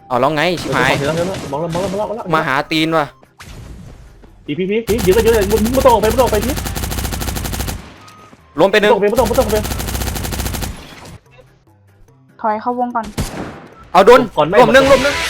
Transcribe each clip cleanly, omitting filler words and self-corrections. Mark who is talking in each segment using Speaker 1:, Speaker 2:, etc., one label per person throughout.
Speaker 1: เอาแล้วไงชิบหาย
Speaker 2: มองแล้ว
Speaker 1: มาหาตีนว่ะ
Speaker 2: พี่เยอะเลยไม่ต้องออกไปพี่
Speaker 1: ล้มไปหนึ่ง
Speaker 2: ไม่ต้องไป
Speaker 3: ถอยเข้าวงก่อน
Speaker 1: เอาโดนล้มหนึ่ง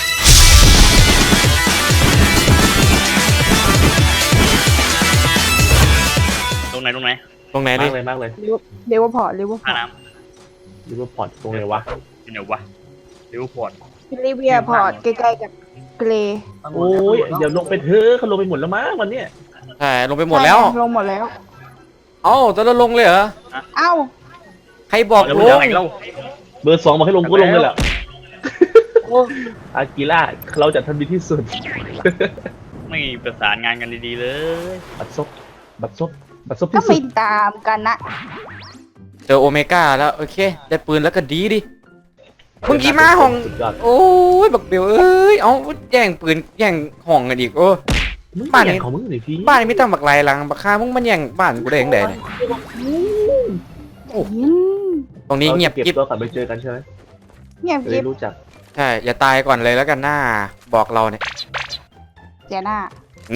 Speaker 4: ตรงไหนดิ
Speaker 2: มากเลย
Speaker 3: เรเวอร์พอร์ต
Speaker 4: น้
Speaker 2: ลิเวอร์พอร์ตตรงไหนวะ
Speaker 4: ที่ไหนวะลิเวอร์พอร์ต
Speaker 3: ลิเวียพอร์ตใกล้ๆกับเกรย์
Speaker 2: โอ้ยเดี๋ยวลงไปเถอะเขาลงไปหมดแล้วมั้งวันเนี้ย
Speaker 1: ใช่ลงไปหมดแล้ว
Speaker 3: ลงหมดแล้ว
Speaker 1: เอ้าตอนเราลงเลยเหรอ
Speaker 3: เอ้า
Speaker 1: ใครบอกลง
Speaker 2: เบอร์ 2บอกให้ลงก็ลงเลยแหละอากิล่าเราจะทำดีที่สุด
Speaker 4: ไม่ประสานงานกันดีๆเลย
Speaker 2: บัดซบ
Speaker 3: ก็ไม่ตามกันนะ
Speaker 1: เจอโอเมก้าแล้วโอเคได้ปืนแล้วก็ดีดิมึงกี่มาห้องโอ้ยบักเบลเอ้ยเอาแย่งปืนแย่งห้องกันอีกโอ้
Speaker 2: บ้านนี้ของมึงหนิพี่
Speaker 1: บ้านนี้ไม่ต้องบักลายหลังบักฆ่ามึงมันแย่งบ้านกูได้ยังไงเนี่ยโอ้ตรงนี้เงียบกิ๊บ
Speaker 2: เรากลับไปเจอกันใช่ไหม
Speaker 3: เงียบกิ๊บ
Speaker 2: รู้จัก
Speaker 1: ใช่อย่าตายก่อนเลยแล้วกันหน้าบอกเราเนี่ย
Speaker 3: เจ้าหน้า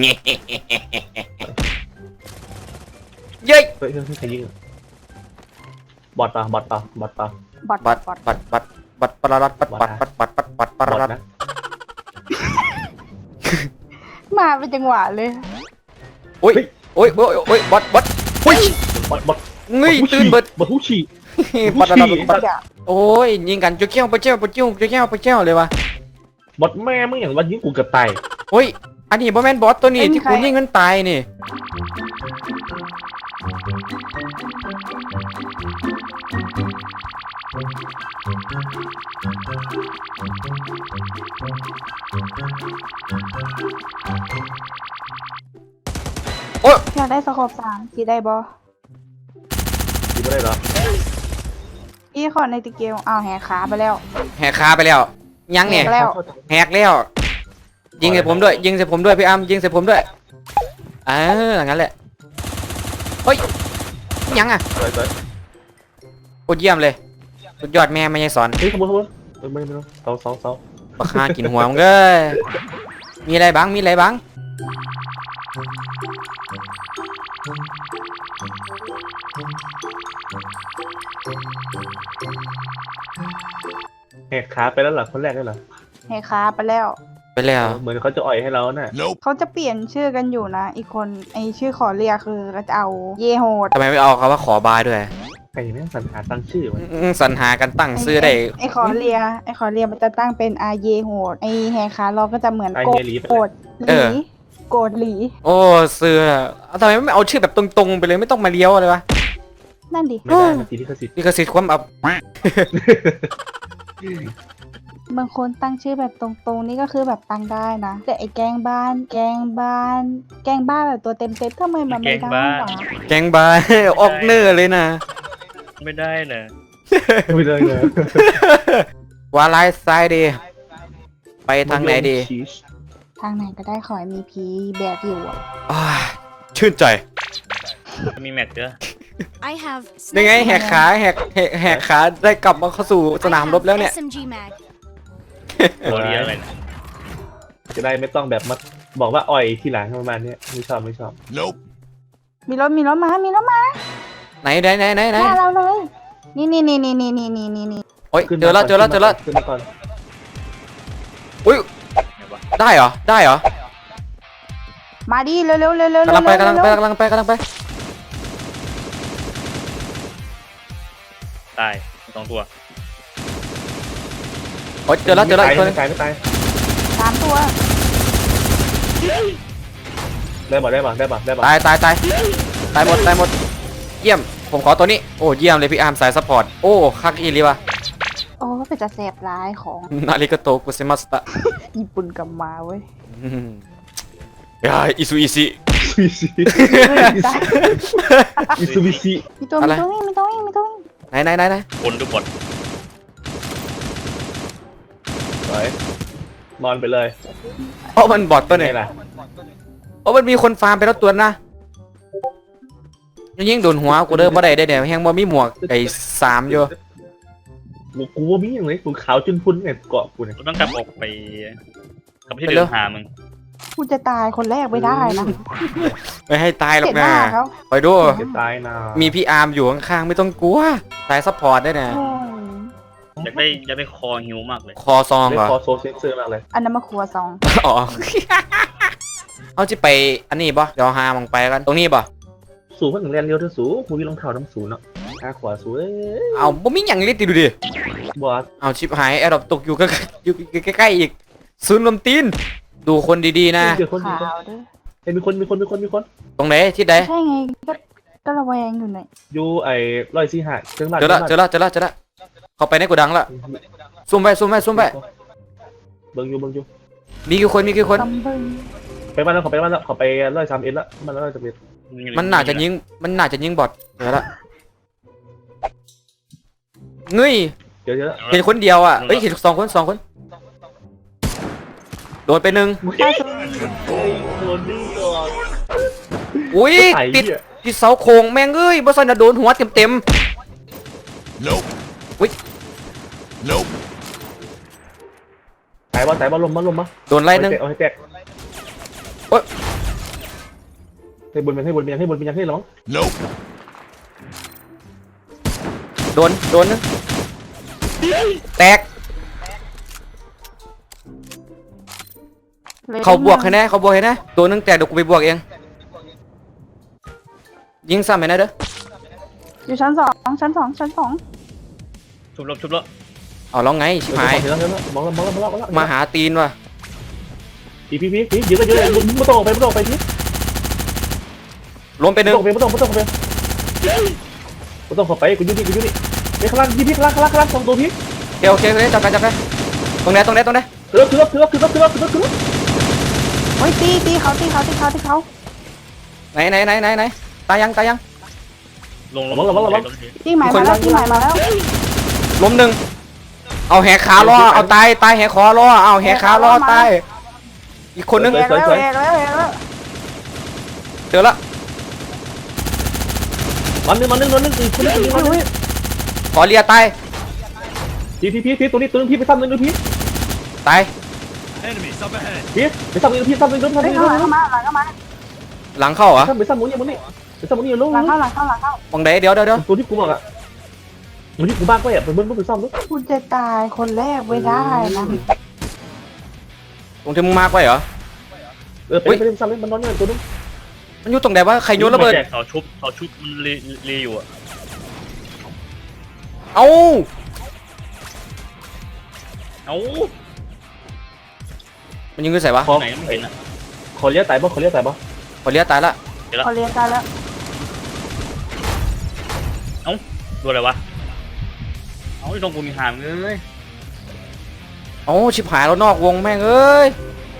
Speaker 1: เย้ย
Speaker 2: เฮ้ยใครยิงบอทปะ
Speaker 1: บัดปลาลัด
Speaker 2: นะ
Speaker 3: มาเป็นจังหวะเลย
Speaker 1: โอ้ยบอดหุ้ยงี้ตื่นเบิด
Speaker 2: บอทผู้ฉี่
Speaker 1: บัดโอ้ยยิงกันจุ๊กเจ้าไปเจ้าเลยวะ
Speaker 2: บอทแม่มึงอย่างวันยิงกูเกือบตาย
Speaker 1: โอ้ยอันนี้บอแมนบอสตัวนี้ที่กูยิงมันตายนี่โอ้ย
Speaker 3: อยากได้สโคป3คิดได้บอ
Speaker 2: คิดไม่ได้หรอ
Speaker 3: อีขอในติเกลอ้าวแหกขาไปแล้ว
Speaker 1: ยังเนี่ยแหกแล้วยิงใส่ผมด้วยพี่อ้ำยิงใส่ผมด้วยอย่างนั้นแหละเฮ้ยยังอ่ะโคตรเยี่ยมเลยสุดยอดแม่ไม่ใช่สอน
Speaker 2: เฮ้ยขโมยไม่เสา
Speaker 1: ปากคากินหัวมึงเลยมีอะไรบ้าง
Speaker 2: แหกขาไปแล้วเหรอคนแรกได้เหรอ
Speaker 3: แหกขาไปแล้ว
Speaker 2: เหมือนเขาจะอ่อยให้เราน่ะ
Speaker 3: เขาจะเปลี่ยนชื่อกันอยู่นะอีกคนไอชื่อขอเรียคือก็จะเอาเยโฮด
Speaker 1: ทำไมไม่เอาเขาว่าขอบายด้วย
Speaker 2: ใครเนี่ยสรรหาตั้งชื่อ
Speaker 1: สรรหากันตั้งชื่อได้
Speaker 3: ไอขอเรียมันจะตั้งเป็นอาเยโฮดไอแหกขาเราก็จะเหมือนโกดหลี
Speaker 1: โอ้เสือทำไมไม่เอาชื่อแบบตรงๆไปเลยไม่ต้องมาเลี้ยวเลยวะ
Speaker 3: นั่นดิ
Speaker 2: ไม่ได้มันลิขสิทธิ์
Speaker 1: ความอั
Speaker 3: บบางคนตั้งชื่อแบบตรงๆนี่ก็คือแบบตั้งได้นะแต่ไอ้แกงบ้านแบบตัวเต็มทำไมมันไม่ได้หรอ
Speaker 1: แกงบ้านออกเนื้อเลยนะ
Speaker 4: ไม่ได้เลย
Speaker 1: ว่าไลฟ์สไตล์ดีไปทางไหนดี
Speaker 3: ทางไหนก็ได้ขอให้มีผีแบกอยู่
Speaker 1: ชื่นใจ
Speaker 4: มีแม็กเด้อ
Speaker 1: ยังไงแหกขาได้กลับมาเข้าสู่สนามรบแล้วเนี่ย
Speaker 4: อะไรนะ
Speaker 2: จะได้ไม่ต้องแบบมาบอกว่าอ่อยทีหลังประมาณนี้ไม่ชอบ
Speaker 3: มีรถมา
Speaker 1: ไหน
Speaker 3: เราเลยนี่
Speaker 1: โอ้ยเจอแล้ว
Speaker 2: ขึ้นมาก่อน
Speaker 1: อุ้ยได้เหรอ
Speaker 3: มาดิเร็ว
Speaker 1: กำลังไป
Speaker 4: ตาย2 ตัว
Speaker 1: โอ้ยเจอแล้ว
Speaker 2: ไม่ตาย
Speaker 3: 3 ตัว
Speaker 2: ได้บ่
Speaker 1: ตายหมดเยี่ยมผมขอตัวนี้โอ้เยี่ยมเลยพี่อาร์มสายซัพพอร์ตโอ้คักอีลีวะ
Speaker 3: โอ้เป็นจะแสบร้ายของ
Speaker 1: นาริกาโตกุเซมัสตะ
Speaker 3: ญี่ปุ่นกลับมาเว้ย
Speaker 1: อิซูอิซิ
Speaker 3: มีตัววิ่ง
Speaker 1: ไหน
Speaker 4: คนทุกคน
Speaker 2: นอนไปเลย
Speaker 1: เพราะมันบอดตัวไหนล่ะเพราะมันมีคนฟาร์มไปแล้วตัวนะยิ่งโดนหัวกูเดินบ่ได้เดี๋ยวแฮงบ่มีหมวกไอ้3อยู่
Speaker 2: กูว่ามีอย่างไรกูขาวจนพุ่นเนี่ยเกาะกูเนี่ย
Speaker 4: กูต้องกลับออกไปกลับไปที่เดิมหามึง
Speaker 3: กูจะตายคนแรกไม่ได้นะ
Speaker 1: ไม่ให้ตายหรอ
Speaker 3: เกลี
Speaker 1: ก
Speaker 3: ยดห
Speaker 1: นะ
Speaker 3: น้าเขา
Speaker 1: คอยดู
Speaker 2: จะตายนะ
Speaker 1: มีพี่อาร์มอยู่ข้างๆไม่ต้องกลัวสายซัพพอร์ตได้นะ
Speaker 3: โอ้ย
Speaker 4: อยากได้คอหิวมากเลย
Speaker 1: คอซอง
Speaker 2: ได้
Speaker 1: เหรอ
Speaker 2: คอโซเซนเซอร์มากเลย
Speaker 3: อันนั้นมาครัวซอง
Speaker 1: อ๋อ เอาที่ไปอันนี้ป่ะเดี๋ยวหามองไปกันตรงนี้ป่ะ
Speaker 2: สูงเพิ่งแรงเร็วเท่าสูงกูมีรองเท้าน้ำสูงเนาะขาขวาสูง
Speaker 1: เอาบ่มีอย่างลิติดูดิ
Speaker 2: บอส
Speaker 1: เอาชิปหายแอร์ดรอปตกอยู่อยู่ใกล้ๆอีกศูนย์ลมตีนดูคนดีๆนะ
Speaker 2: เจอคน
Speaker 3: ขาวด้วย
Speaker 2: เฮ้ยมีคน
Speaker 1: ตรงไหนที่ใด
Speaker 3: ใช่ไงก็ระแวงอยู่หน่อย
Speaker 2: อยู่ไอ้ร้อยสี่ห้าเครื่องบ้าน
Speaker 1: เจอละเข้าไปในกูดังละซุ่มไป
Speaker 2: เบิ่งอยู่
Speaker 1: มีกี่คน
Speaker 3: ตำบึง
Speaker 2: ไปบ้านแล้วขอไปบ้านแล้วขอไปร้อยสามเอ็ดละมันร้อยสามเอ็ด
Speaker 1: มันน่าจะยิงบอทเดี๋ยวละเงย
Speaker 2: เดี๋ยว
Speaker 1: เห็นคนเดียวอ่ะเอ้ยเห็นสองคนโดนไปหนึ่ง
Speaker 2: โดนดึงก่อน
Speaker 1: อุ้ยติดเสาโครงแม่งเอ้ยบ่ซันจะโดนหัวเต็ม
Speaker 5: Nope.
Speaker 1: Ui.
Speaker 5: Nope.
Speaker 2: ตายบอลลมมา
Speaker 1: ๆโดนไล่หนึง
Speaker 2: เอาให้แตก
Speaker 1: โอ๊ย
Speaker 2: ให้บนเป็นให้ร้อง
Speaker 5: Nope.
Speaker 1: โดนหนึงแตกเขาบวกให้แน่ตัวหนึงแตกเดี๋ยวกูไปบวกเองยิงซ้ำไปนะเด้อ
Speaker 3: อยู่ชั้นสอง
Speaker 4: ชุบลบ
Speaker 1: เอาแล้วไงชิบหาย
Speaker 2: เห็นแล้วมองแล้ว
Speaker 1: มาหาตีนว่ะ
Speaker 2: พี่เยอะไม่ต้องออกไปพี่
Speaker 1: ล้มไปหนึ่ง
Speaker 2: ไม่ต้องเข้าไปกูอยู่นี่ไปข้างล่างพี่ข้างล่างสองตัวพี่
Speaker 1: โอเคจับไปตรงไหน
Speaker 2: คือ
Speaker 3: โอ้ยตีเขา
Speaker 1: ไหนตายยัง
Speaker 4: ลง
Speaker 3: ตีใหม่มาแล้ว
Speaker 1: ล้มหนึ่งเอาแหกขาล้อเอาตายแหกคอล้อเอาแหกขาล้อตายอีกคนนึง
Speaker 3: แหกแล้ว
Speaker 1: เจอละ
Speaker 2: มันนึงอีกคนนึง
Speaker 1: ขอเลียตาย
Speaker 2: พี่ตัวนี้พี่ไปซ้ำนึงพี่
Speaker 1: ตาย
Speaker 5: Enemies up ahead.
Speaker 2: พี่ไปซ้ำนึงพี่ซ้ำนึง
Speaker 3: เฮ้ยข้างหลังเข้ามา
Speaker 1: หลังเข้าเหรอ
Speaker 2: ไปซ้ำหมุนอย่างนี้ไปซ้ำหมุนอย่างนู้น
Speaker 3: หลังเข้า
Speaker 1: มองไหนเดี๋ยว
Speaker 2: ตัวที่กูบอกอ่ะตัวที่กูบ้าก็แบบเป็นไปซ้ำด้วย
Speaker 3: กูจะตายคนแรกไม่ได้นะ
Speaker 1: ตรงที่มึงมาร์กไว้เหรอ
Speaker 2: ไปซ้ำเลยมันนอนอย่างตัวนึง
Speaker 1: มันอยู่ตรงไหนวะใครโยนระเบิด
Speaker 4: แจกเสาชุบมันรีอยู่อะ
Speaker 1: เอ้า
Speaker 4: เอ้า
Speaker 1: มันยิงขึ้นใส่วะ
Speaker 4: ไหนไม่เห็นอะ
Speaker 2: ขอเลี้ยตายบ่
Speaker 1: ขอเลียตายละ
Speaker 3: เขาเรียนกันแล้ว
Speaker 4: ดูอะไรวะเอ้าตรงกูมีหามเลย
Speaker 1: โอ้ชิบหายแล้วนอกวงแม่งเอ้ย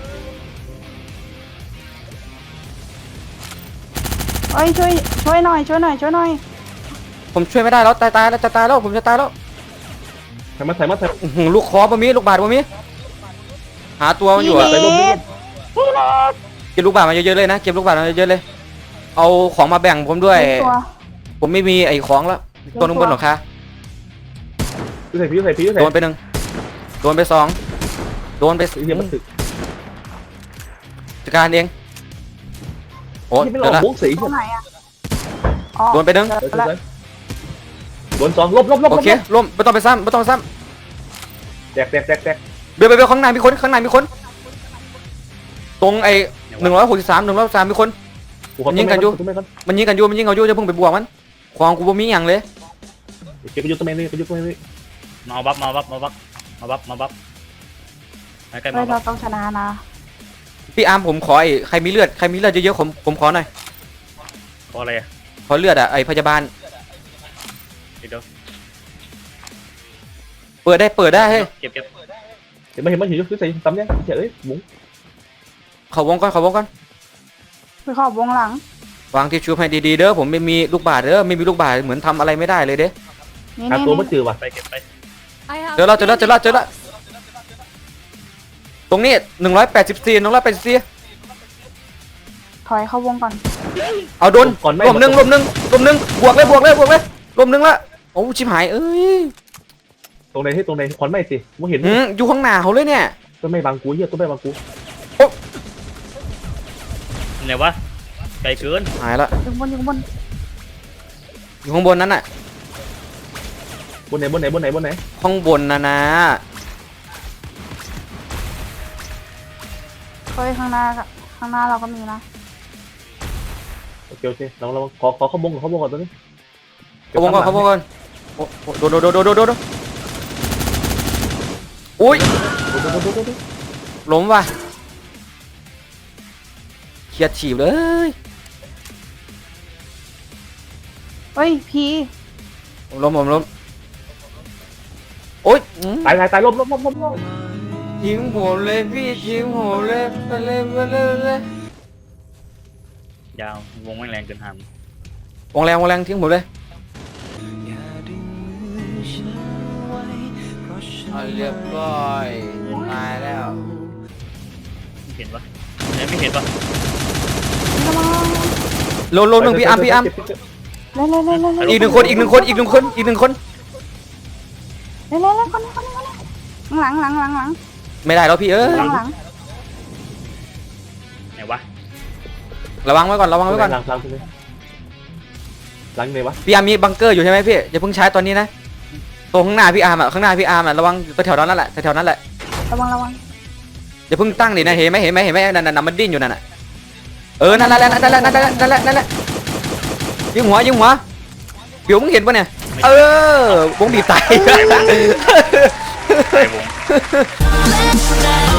Speaker 3: เอ้ยช่วยหน่อย
Speaker 1: ผมช่วยไม่ได้แล้วตายแล้วจะตายแล้วผมจะตายแล้ว
Speaker 2: ใส่มา
Speaker 1: อื้อหือลูกคอบะมีลูกบาศก์บะมีหาตัวมันอยู่อะ
Speaker 2: ใส่ลม
Speaker 1: เก็บลูกบาศก์มาเยอะๆเลยนะเก็บลูกบาศก์มาเยอะๆเลย เอาของมาแบ่งผมด้วย
Speaker 3: ตัว
Speaker 1: ผมไม่มีไอ้ของแล้วตัวนึงบนหลังคา
Speaker 2: ใส่พี่
Speaker 1: โดนไปหนึ่งโดนไปสองโดนไป
Speaker 2: เฮียมันถึก
Speaker 1: จัดการเองโอ้
Speaker 2: ที่ไม่
Speaker 1: เดี๋ยว
Speaker 2: ล
Speaker 1: ละ
Speaker 2: งบุ้งสี
Speaker 3: ตรงไหนอ่ะอ๋อ
Speaker 1: โดนไปหนึ่ง
Speaker 2: โดนสองลบ
Speaker 1: โอเคล้มไม่ต้องไปซ้ำ
Speaker 2: แตก
Speaker 1: เบลข้างในมีคนตรงไอ้163มีคนมันยิงกันอยู่จะเพิ่งไปบวกมันของกูบ่มีอย่างเลย
Speaker 2: เก็บไปอยู่ตัวแม่นี่
Speaker 4: มาบัฟใกล้
Speaker 3: เฮ้
Speaker 4: มาย บั
Speaker 3: เรา
Speaker 4: ฟ
Speaker 3: ต้องชนะนะ
Speaker 1: พี่อาร์มผมขอไอ้ใครมีเลือดเยอะๆผมขอหน่อย
Speaker 4: เพราะอะไรอะ
Speaker 1: ขอเลือดอ่ะไอ้พยาบาล
Speaker 4: เดี๋ยว
Speaker 1: เปิดได้เฮ้ย
Speaker 4: เก็บ
Speaker 2: เห็นมันหิวคือใส่ตำเนี่ยเฉยบุ้ง
Speaker 1: เขาวงก่อน
Speaker 3: ไปขอบวงหลัง
Speaker 1: วางที่ชูให้ดีๆเด้อผมไม่มีลูกบาศก์เด้อไม่มีลูกบาศก์เหมือนทำอะไรไม่ได้เลยเด้
Speaker 3: นี่
Speaker 2: หาตัวไม่เจอว่ะ
Speaker 4: ไปเก็บไป
Speaker 1: เจอแล้วตรงนี้184
Speaker 3: ถอยเข้าวงก่อน
Speaker 1: เอาโดนลมหนึ่งบวกเลยลมหนึ่งละโอ้ชิบหายเอ้ย
Speaker 2: ตรงไหนที่ตรงไหนควันไหม้สิมึงเห็นไหม
Speaker 1: อยู่ข้างหน้าเขาเลยเนี่ย
Speaker 2: ต้นไม้บางกูเหี้ยต้นไม้บางกู
Speaker 4: ไหนวะไกลเกิน
Speaker 1: หายละ
Speaker 3: อยู่ข้างบนอยู่ข้างบน
Speaker 1: อยู่ข้างบนนั้นน่ะ
Speaker 2: บนไหนบนไหนบนไหนบนไหน
Speaker 1: ข้างบนนะ
Speaker 3: เฮ้ยข้างหน้าเราก็มีนะ
Speaker 2: โอเคโอเคลองขอข้าวบงก่อนตัวนี้
Speaker 1: เขาวงก่อนเขาวงก่อนโอ้โดดอุ้ยล้มว่ะเครียดฉีบเลย
Speaker 3: เฮ้ยพี
Speaker 1: ผมล้มโอ๊ย
Speaker 2: ตายล้ม
Speaker 1: ทิ้งผมเลยพี่ทิ้งผมเลยไปเลย
Speaker 4: ยาววงแม่งแรงเกินหาม
Speaker 1: วงแรงทิ้งผมเลยเรียบร้อยตายแล้ว
Speaker 4: ไม่เห็นปะไหนไม่เห็นปะ
Speaker 1: ลงหนึ่งพี่อาร์ม
Speaker 3: เร็ว
Speaker 1: อีกหนึ่งคนเร็วคนนี้
Speaker 3: หลัง
Speaker 1: ไม่ได้แล้วพี่เอ้ย
Speaker 3: หลัง
Speaker 4: ไหนวะ
Speaker 1: ระวังไว้ก่อน
Speaker 2: หลังไหนวะ
Speaker 1: พี่อาร์มมีบังเกอร์อยู่ใช่ไหมพี่อย่าเพิ่งใช้ตอนนี้นะตรงข้างหน้าพี่อาร์มอ่ะระวังแถวนั้นแหละ
Speaker 3: ระวัง
Speaker 1: อย่าเพิ่งตั้งดินะเห็นไหมนั่นมันดิ้นอยู่นั่นน่ะนั่นแหละยิงหัวเดี๋ยวมึงเห็นปะเนี่ยวงบีบตาย
Speaker 4: ตายวง